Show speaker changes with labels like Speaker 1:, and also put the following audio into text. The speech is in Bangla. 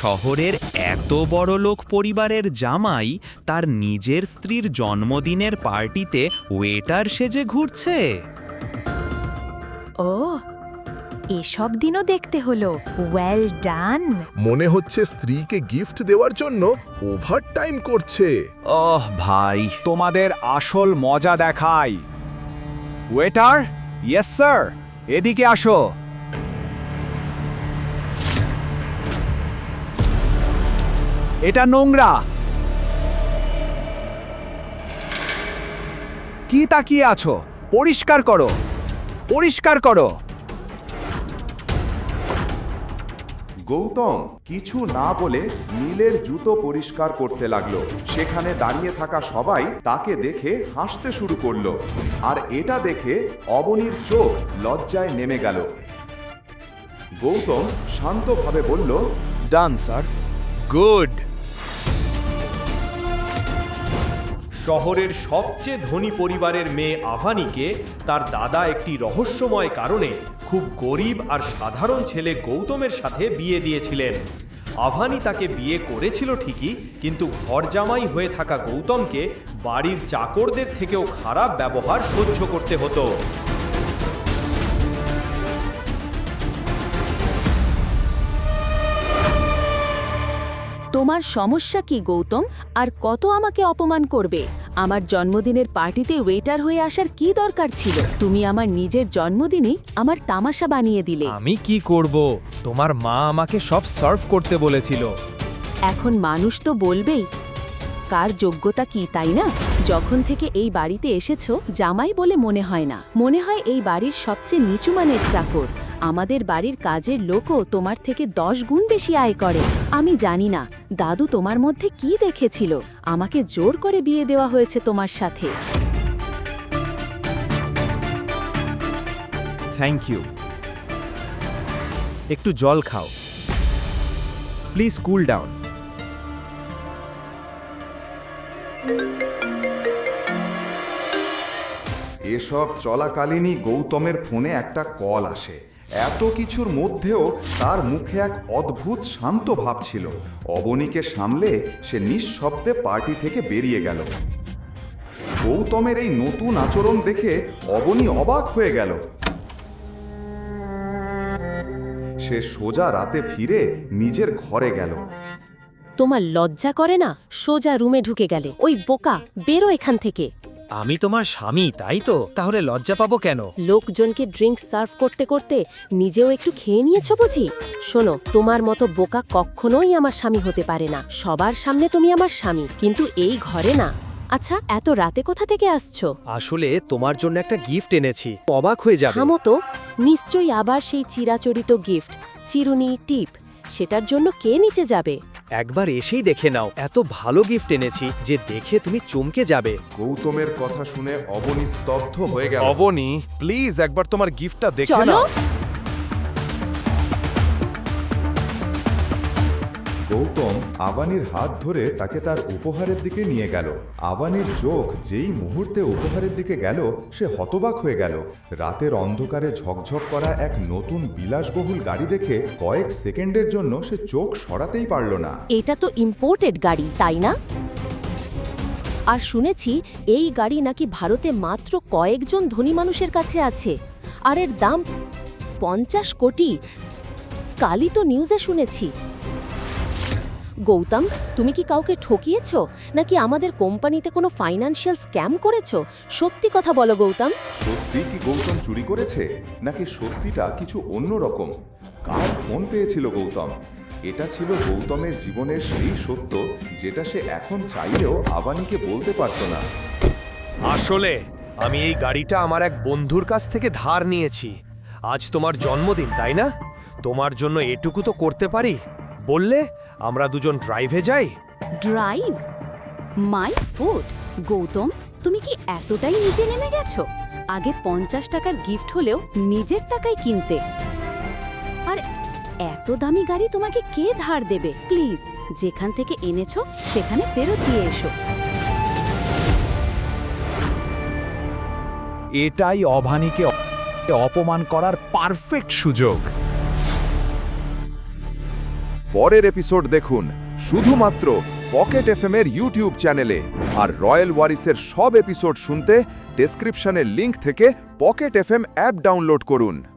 Speaker 1: শহরের এত বড়লোক পরিবারের জামাই তার নিজের স্ত্রীর জন্মদিনের পার্টিতে ওয়েটার সেজে ঘুরছে।
Speaker 2: ও, এসব দিনও দেখতে হলো। Well done.
Speaker 3: মনে হচ্ছে স্ত্রীকে গিফট দেওয়ার জন্য ওভারটাইম করছে।
Speaker 4: ওহ ভাই, তোমাদের আসল মজা দেখাই। ওয়েটার, ইয়েস স্যার, এদিকে আসো। এটা নোংরা। কি তাকিয়ে আছো? পরিষ্কার করো, পরিষ্কার করো।
Speaker 5: গৌতম কিছু না বলে নীলের জুতো পরিষ্কার করতে লাগলো। সেখানে দাঁড়িয়ে থাকা সবাই তাকে দেখে হাসতে শুরু করলো, আর এটা দেখে অবনীর চোখ লজ্জায় নেমে গেল। গৌতম শান্তভাবে বলল,
Speaker 4: ডান স্যার।
Speaker 1: গুড।
Speaker 6: শহরের সবচেয়ে ধনী পরিবারের মেয়ে আভানিকে তার দাদা একটি রহস্যময় কারণে খুব গরিব আর সাধারণ ছেলে গৌতমের সাথে বিয়ে দিয়েছিলেন। আভানি তাকে বিয়ে করেছিল ঠিকই, কিন্তু ঘরজামাই হয়ে থাকা গৌতমকে বাড়ির চাকরদের থেকেও খারাপ ব্যবহার সহ্য করতে হতো।
Speaker 7: তোমার সমস্যা কি গৌতম? আর কত আমাকে অপমান করবে? আমার জন্মদিনের পার্টিতে ওয়েটার হয়ে আসার কি দরকার ছিল? তুমি আমার নিজের জন্মদিনে আমার তামাশা বানিয়ে দিলে।
Speaker 8: আমি কি করব? তোমার মা আমাকে সব সার্ভ করতে বলেছিল।
Speaker 7: এখন মানুষ তো বলবেই কার যোগ্যতা কি, তাই না? যখন থেকে এই বাড়িতে এসেছো, জামাই বলে মনে হয় না, মনে হয় এই বাড়ির সবচেয়ে নিচু মানের চাকর। আমাদের বাড়ির কাজের লোকও তোমার থেকে 10 গুণ বেশি আয় করে। আমি জানি না দাদু তোমার মধ্যে কি দেখেছিল, আমাকে জোর করে বিয়ে দেওয়া হয়েছে তোমার সাথে।
Speaker 8: Thank you. একটু জল খাও প্লিজ, কুল ডাউন।
Speaker 5: এসব চলাকালীনই গৌতমের ফোনে একটা কল আসে। এত কিছুর মধ্যেও তার মুখে এক অদ্ভুত শান্ত ভাব ছিল। অবনীকে সামলে সে নিঃশব্দে পার্টি থেকে বেরিয়ে গেল। গৌতমের এই নতুন আচরণ দেখে অবনী অবাক হয়ে গেল। সে সোজা রাতে ফিরে নিজের ঘরে গেল।
Speaker 7: তোমার লজ্জা করে না? সোজা রুমে ঢুকে গেলে। ওই বোকা, বেরো এখান থেকে।
Speaker 8: আমি তোমার স্বামী, তাই তো? তাহলে লজ্জা পাবো কেন?
Speaker 7: লোকজনকে ড্রিঙ্ক সার্ভ করতে করতে নিজেও একটু খেয়ে নিয়েছো বুঝি? শোনো, তোমার মতো বোকা কখনোই আমার স্বামী হতে পারে না। সবার সামনে তুমি আমার স্বামী, কিন্তু এই ঘরে না। আচ্ছা, এত রাতে কোথা থেকে আসছো?
Speaker 8: আসলে তোমার জন্য একটা গিফট এনেছি, অবাক হয়ে যাবে।
Speaker 7: থামো তো, নিশ্চয়ই আবার সেই চিরাচরিত গিফট, চিরুনি, টিপ। সেটার জন্য কে নিচে যাবে?
Speaker 8: একবার এসেই দেখে নাও, এত ভালো গিফট এনেছি যে দেখে তুমি চমকে যাবে।
Speaker 5: গৌতমের কথা শুনে অবনী স্তব্ধ হয়ে গেল।
Speaker 3: অবনী, প্লিজ একবার তোমার গিফটটা দেখে
Speaker 7: চলো।
Speaker 3: নাও।
Speaker 5: গৌতম আবানির হাত ধরে তাকে তার উপহারের দিকে নিয়ে গেল। আবানির চোখ যেই মুহূর্তে উপহারের দিকে গেল, সে হতবাক হয়ে গেল। রাতের অন্ধকারে ঝকঝক করা এক নতুন বিলাসবহুল গাড়ি দেখে কয়েক সেকেন্ডের জন্য সে চোখ সরাতেই পারল না।
Speaker 7: এটা তো ইম্পোর্টেড গাড়ি, তাই না? আর শুনেছি এই গাড়ি নাকি ভারতে মাত্র কয়েকজন ধনী মানুষের কাছে আছে, আর এর দাম 50 কোটি। কালই তো নিউজে শুনেছি। গৌতম, তুমি কি কাউকে ঠকিয়েছো, নাকি আমাদের কোম্পানিতে কোনো ফাইন্যান্সিয়াল স্ক্যাম করেছো? সত্যি কথা বলো গৌতম।
Speaker 5: সত্যি কি গৌতম চুরি করেছে, নাকি সত্যিটা কিছু অন্যরকম? কার ফোন পেয়েছিল গৌতম? এটা ছিল গৌতমের জীবনের সেই সত্য যেটা সে এখন চাইলেও আবানিকে বলতে পারত না।
Speaker 6: আসলে আমি এই গাড়িটা আমার এক বন্ধুর কাছ থেকে ধার নিয়েছি। আজ তোমার জন্মদিন, তাই না? তোমার জন্য এটুকু তো করতে পারি। বললে আমরা দুজন ড্রাইভে যাই।
Speaker 7: ড্রাইভ? My food! গৌতম, তুমি কি এতটাই নিচে নেমে গেছো? আগে 50 টাকার গিফট হলেও নিজের টাকায় কিনতে, আর এত দামি গাড়ি তোমাকে কে ধার দেবে? প্লিজ, যেখান থেকে এনেছো সেখানে ফেরত দিয়ে এসো।
Speaker 4: এটাই অভানীকে অপমান করার পারফেক্ট সুযোগ।
Speaker 5: পরের এপিসোড দেখুন শুধুমাত্র পকেট এফএম এর ইউটিউব চ্যানেলে। আর রয়্যাল ওয়ারিসের সব এপিসোড শুনতে ডেসক্রিপশনের লিংক থেকে পকেট এফএম অ্যাপ ডাউনলোড করুন।